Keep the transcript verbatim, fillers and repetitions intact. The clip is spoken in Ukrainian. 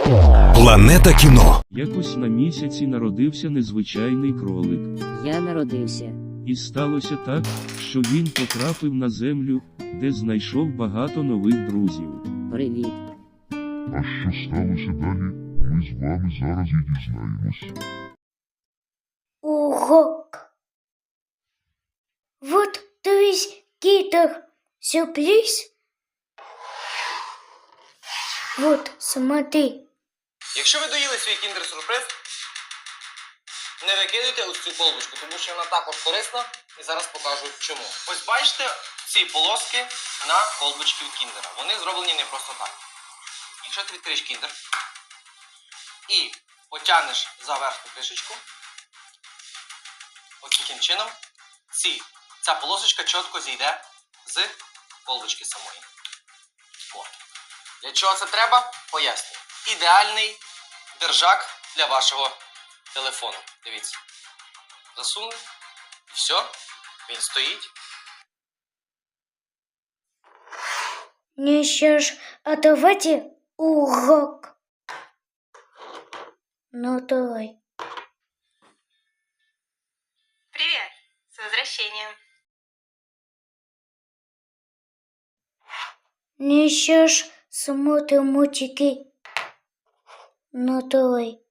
Планета кіно. Якось на місяці народився незвичайний кролик. Я народився. І сталося так, що він потрапив на землю, де знайшов багато нових друзів. Привіт. А що сталося далі, ми з вами зараз і дізнаємось. Урок. Вот, то есть, Китер, сюрприз. Вот, смотри. Якщо ви доїли свій кіндер-сюрприз, не викидуйте ось цю колбочку, тому що вона також корисна, і зараз покажу чому. Ось бачите ці полоски на колбочці від кіндера. Вони зроблені не просто так. Якщо ти відкриєш кіндер і потягнеш за верхню кришечку, ось таким чином, ці, ця полосочка чітко зійде з колбочки самої. О. Для чого це треба? Пояснюю. Ідеальний держак для вашого телефону. Дивіться. Засунули. І все. Він стоїть. Ну что ж, а давайте урок. Ну давай. Привет! С возвращением! Ну что ж, смотрим мультики. Ну давай.